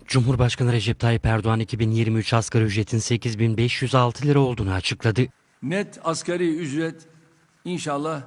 Cumhurbaşkanı Recep Tayyip Erdoğan 2023 asgari ücretin 8.506 lira olduğunu açıkladı. Net asgari ücret inşallah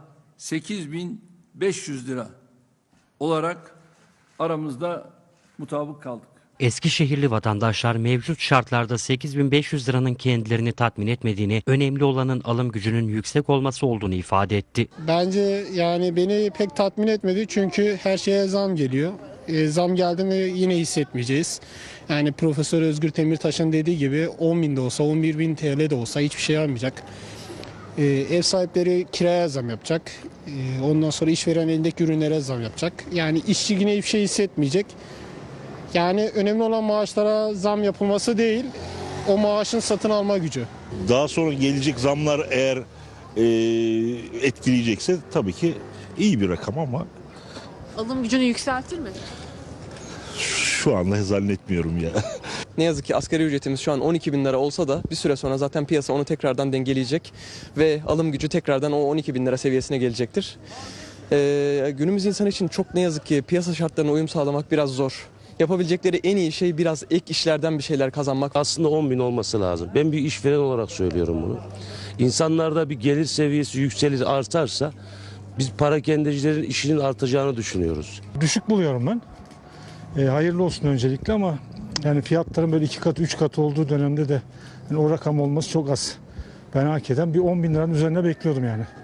8.500 lira olarak aramızda mutabık kaldık. Eskişehirli vatandaşlar mevcut şartlarda 8.500 liranın kendilerini tatmin etmediğini, önemli olanın alım gücünün yüksek olması olduğunu ifade etti. Bence yani beni pek tatmin etmedi çünkü her şeye zam geliyor. Zam geldi mi yine hissetmeyeceğiz. Yani Profesör Özgür Demirtaş'ın dediği gibi 10.000 de olsa 11.000 TL de olsa hiçbir şey almayacak. Ev sahipleri kiraya zam yapacak. Ondan sonra işveren elindeki ürünlere zam yapacak. Yani işçi yine hiçbir şey hissetmeyecek. Yani önemli olan maaşlara zam yapılması değil, o maaşın satın alma gücü. Daha sonra gelecek zamlar eğer etkileyecekse tabii ki iyi bir rakam ama Alım gücünü yükseltir mi? şu anda zannetmiyorum ya. Ne yazık ki asgari ücretimiz şu an 12 bin lira olsa da bir süre sonra zaten piyasa onu tekrardan dengeleyecek ve alım gücü tekrardan o 12 bin lira seviyesine gelecektir. Günümüz insanı için çok ne yazık ki piyasa şartlarına uyum sağlamak biraz zor. Yapabilecekleri en iyi şey biraz ek işlerden bir şeyler kazanmak. Aslında 10 bin olması lazım. Ben bir işveren olarak söylüyorum bunu. İnsanlarda bir gelir seviyesi yükselir, artarsa biz parakendecilerin işinin artacağını düşünüyoruz. Düşük buluyorum ben. Hayırlı olsun öncelikle ama yani fiyatların böyle 2 katı 3 katı olduğu dönemde de yani o rakam olması çok az. Ben hakikaten bir 10 bin liranın üzerine bekliyordum yani.